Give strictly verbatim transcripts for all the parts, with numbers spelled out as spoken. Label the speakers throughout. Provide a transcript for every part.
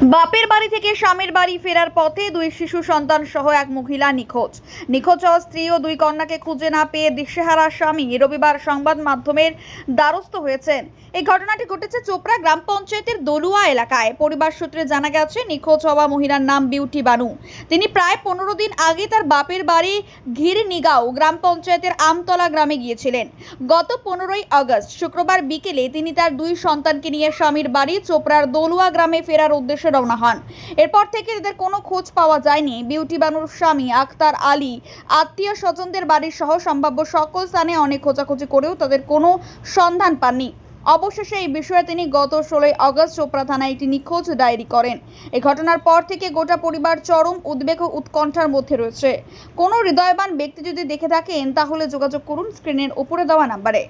Speaker 1: বাপের বাড়ি থেকে স্বামীর বাড়ি ফেরার পথে দুই শিশু সন্তান সহ এক মহিলা নিখোঁজ নিখোঁজ হওয়া স্ত্রী ও দুই কন্যাকে খুঁজে না পেয়ে দিশেহারা স্বামী রবিবার সংবাদ মাধ্যমের দ্বারস্থ হয়েছেন। এই ঘটনাটি ঘটেছে চোপড়া গ্রাম পঞ্চায়েতের দলুয়া এলাকায়। পরিবার সূত্রে জানা গেছে, নিখোঁজ হওয়া মহিলার নাম বিউটি বানু। তিনি প্রায় পনেরো দিন আগে তার বাপের বাড়ি ঘিরনিগাঁও গ্রাম পঞ্চায়েতের আমতলা গ্রামে গিয়েছিলেন। গত পনেরোই আগস্ট শুক্রবার বিকেলে তিনি তার দুই সন্তানকে নিয়ে স্বামীর বাড়ি চোপড়ার দলুয়া গ্রামে ফেরার উদ্দেশ্যে রওনা হন। এরপর থেকে এদের কোনো খোঁজ পাওয়া যায়নি। বিউটি বানুর স্বামী আক্তার আলী আত্মীয় স্বজনদের বাড়ির সহ সম্ভাব্য সকল স্থানে অনেক খোঁজাখুঁজি করেও তাদের কোনো সন্ধান পাননি। অবশেষে এই বিষয়ে তিনি গত ষোলোই আগস্ট চোপড়া থানায় একটি নিখোঁজ ডায়েরি করেন। এই ঘটনার পর থেকে গোটা পরিবার চরম উদ্বেগ ও উৎকণ্ঠার মধ্যে রয়েছে। কোনো হৃদয়বান ব্যক্তি যদি দেখে থাকেন তাহলে যোগাযোগ করুন স্ক্রিনের উপরে দেওয়া নাম্বারে।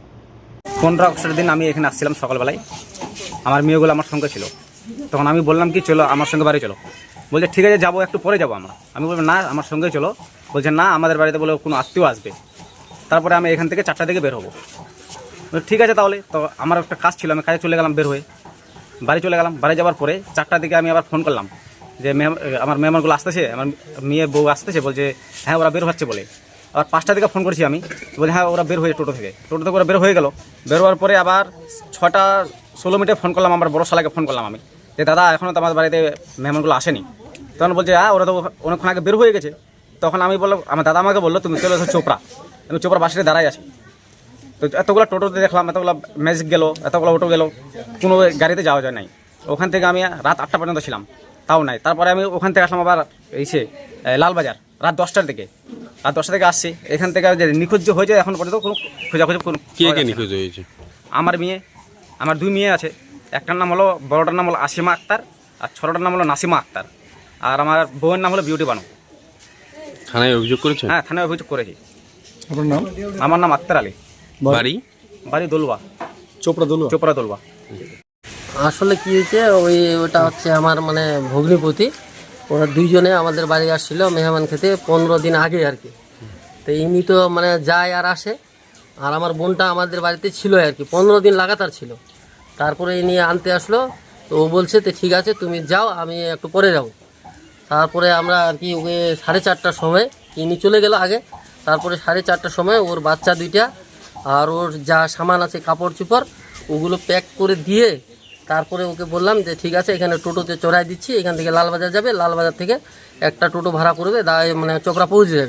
Speaker 2: পনেরো আগস্টের দিন আমি এখানে আসছিলাম সকালবেলায়, আমার মেয়েগুলো আমার সঙ্গে ছিল। তখন আমি বললাম কি চলো আমার সঙ্গে বাড়ি চলো। বলছে ঠিক আছে যাবো, একটু পরে যাবো আমরা। আমি বললাম না আমার সঙ্গে চলো। বলছে না আমাদের বাড়িতে বলে কোনো আত্মীয় আসবে, তারপরে আমি এখান থেকে চারটা দিকে বের হবো। ঠিক আছে তাহলে। তো আমার একটা কাজ ছিল, আমি কাজে চলে গেলাম, বের হয়ে বাড়ি চলে গেলাম। বাড়ি যাওয়ার পরে চারটার দিকে আমি আবার ফোন করলাম যে আমার মেহমানগুলো আসতেছে, আমার মেয়ে বউ আসতেছে। বলছে হ্যাঁ ওরা বের হচ্ছে বলে। আবার পাঁচটা দিকে ফোন করেছি আমি, বলছি হ্যাঁ ওরা বের হয়ে টোটো থেকে টোটো থেকে ওরা বের হয়ে গেল। বের হওয়ার পরে আবার ছটা ষোলো মিনিটে ফোন করলাম, আমার বড় শালাকে ফোন করলাম আমি যে দাদা এখনও তো আমার বাড়িতে মেহমানগুলো আসেনি। তখন বলছে হ্যাঁ ওরা তো অনেকক্ষণ আগে বের হয়ে গেছে। তখন আমি বললাম, আমার দাদা আমাকে বললো তুমি চলে এসো চোপড়া। আমি চোপড়া বাসে দাঁড়াই আছি। তো এতগুলো টোটোতে দেখলাম, এতগুলো ম্যাজিক গেলো, এতগুলো অটো গেলো, কোনো গাড়িতে যাওয়া যায় নাই। ওখান থেকে আমি রাত আটটা পর্যন্ত ছিলাম, তাও নাই। তারপরে আমি ওখান থেকে আসলাম আবার এসে লালবাজার রাত দশটার দিকে রাত দশটা থেকে আসছি। এখান থেকে যে নিখোঁজ যে হয়েছে এখন পর্যন্ত কোনো খোঁজাখুঁজি কোনো
Speaker 3: কে কে নিখোঁজ হয়েছে?
Speaker 2: আমার মেয়ে, আমার দুই মেয়ে আছে। একটার নাম হলো, বড়টার নাম হলো আসিমা আক্তার আর ছোটটার নাম হলো নাসিমা আক্তার, আর আমার বউয়ের নাম হলো বিউটি বানু।
Speaker 3: থানায় অভিযোগ করেছেন?
Speaker 2: হ্যাঁ থানায় অভিযোগ করেছি।
Speaker 4: আপনার নাম?
Speaker 2: আমার নাম আক্তার আলী,
Speaker 3: বাড়ি
Speaker 2: বাড়ি দলুয়া,
Speaker 4: চোপড়া দলুয়া।
Speaker 2: চোপড়া দলুয়া।
Speaker 5: আসলে কি হয়েছে, ওই ওটা হচ্ছে আমার মানে ভগ্নিপতি, ওরা দুইজনে আমাদের বাড়ি আসছিল মেহমান খেতে পনেরো দিন আগে আর কি। তো ইনি তো মানে যায় আর আসে, আর আমার বোনটা আমাদের বাড়িতে ছিল আর কি, পনেরো দিন লাগাতার ছিল। তারপরে ইনি আনতে আসলো, তো ও বলছে তো ঠিক আছে তুমি যাও, আমি একটু পরে যাব। তারপরে আমরা আর কি ওকে সাড়ে চারটার সময় ইনি চলে গেল আগে। তারপরে সাড়ে চারটার সময় ওর বাচ্চা দুইটা আর ওর যা সামান আছে কাপড় চোপড় ওগুলো প্যাক করে দিয়ে তারপরে ওকে বললাম যে ঠিক আছে এখানে টোটোতে চড়াই দিচ্ছি, এখান থেকে লালবাজার যাবে, লালবাজার থেকে একটা টোটো ভাড়া করবে, মানে চোপড়া পৌঁছে যাবে।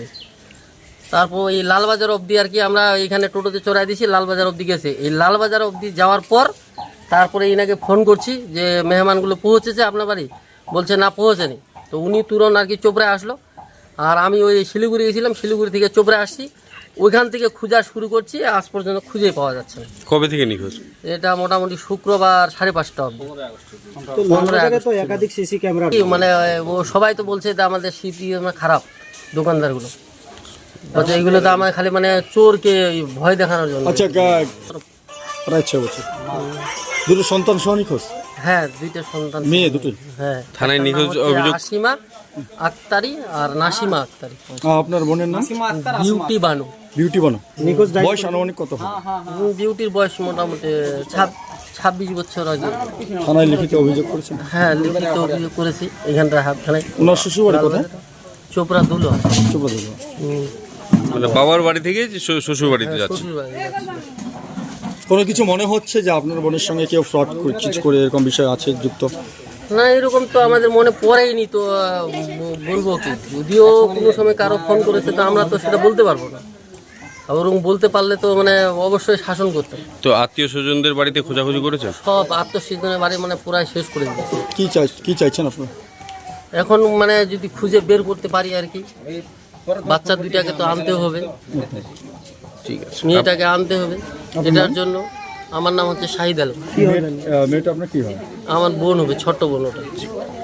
Speaker 5: তারপর এই লালবাজার অবধি আর কি আমরা এখানে টোটোতে চড়াই দিচ্ছি, লালবাজার অবধি গেছে। এই লালবাজার অবধি যাওয়ার পর তারপরে ইনাকে ফোন করছি যে মেহমানগুলো পৌঁছেছে আপনার বাড়ি, বলছে না পৌঁছেনি। তো উনি তুরন্ত আর কি চোপড়ায় আসলো, আর আমি ওই শিলিগুড়ি গেছিলাম, শিলিগুড়ি থেকে চোপড়ায় আসছি। ওইখান থেকে খোঁজা শুরু করছি, আজ পর্যন্ত খুঁজেই পাওয়া যাচ্ছে না।
Speaker 3: কবে থেকে নিখোঁজ?
Speaker 5: এটা মোটামুটি শুক্রবার সাড়ে পাঁচটা অবধি।
Speaker 4: একাধিক সিসি ক্যামেরা
Speaker 5: মানে ও সবাই তো বলছে যে আমাদের সিপি খারাপ দোকানদারগুলো, বলছে এইগুলো তো আমার খালি মানে চোরকে ভয় দেখানোর জন্য।
Speaker 4: আচ্ছা প্রায় ছয় বছর দুটো সন্তান সহ নিখোঁজ?
Speaker 5: হ্যাঁ দুইটা সন্তান,
Speaker 4: মেয়ে দুটোই?
Speaker 5: হ্যাঁ।
Speaker 3: থানায় নিখোঁজ অভিযোগ?
Speaker 5: আসিমা আক্তারি আর নাসিমা আক্তারি।
Speaker 4: আপনার বোনের নাম?
Speaker 5: বিউটি বানু।
Speaker 4: বিউটি বানু। নিখোঁজ বয়স আনুমানিক কত হবে?
Speaker 5: বিউটির বয়স মোটামুটি ছাব্বিশ বছর আগে।
Speaker 4: থানায় লিখিত অভিযোগ করেছেন?
Speaker 5: হ্যাঁ লিখিত অভিযোগ করেছি এখানটা হাত থানায়।
Speaker 4: ওনার শ্বশুর বাড়ি কোথায়?
Speaker 5: চোপড়া দলুয়া।
Speaker 4: চোপড়া দলুয়া।
Speaker 3: মানে বাবার বাড়ি থেকে শ্বশুর বাড়িতে যাচ্ছে?
Speaker 5: শ্বশুর বাড়ি যাচ্ছে।
Speaker 4: কোনো কিছু মনে হচ্ছে যে আপনার বোনের সঙ্গে কেউ ফ্রড কিছু করে এরকম বিষয় আছে যুক্ত?
Speaker 5: না এরকম তো আমাদের মনে পড়েইনি, তো বলবো কি, যদিও কোনো সময় কারো ফোন করেছে তো আমরা তো সেটা বলতে পারবো না। ওরকম বলতে পারলে তো মানে অবশ্যই শাসন করতাম।
Speaker 3: তো আত্মীয় স্বজনদের বাড়িতে খোঁজাখুঁজি করেছে?
Speaker 5: সব আত্মস্বজনের বাড়ি মানে পুরাই শেষ করে দিয়েছে।
Speaker 4: কি চাই কি চাইছেন আপনার?
Speaker 5: এখন মানে যদি খুঁজে বের করতে পারি আর কি, বাচ্চা দুইটাকে তো আনতে হবে,
Speaker 3: ঠিক আছে,
Speaker 5: মেয়েটাকে আনতে হবে। এটার জন্য আমার নাম হচ্ছে শাহিদ আলম।
Speaker 4: মেয়েটা আপনার কি হয়?
Speaker 5: আমার বোন হবে, ছোট্ট বোন ওটা।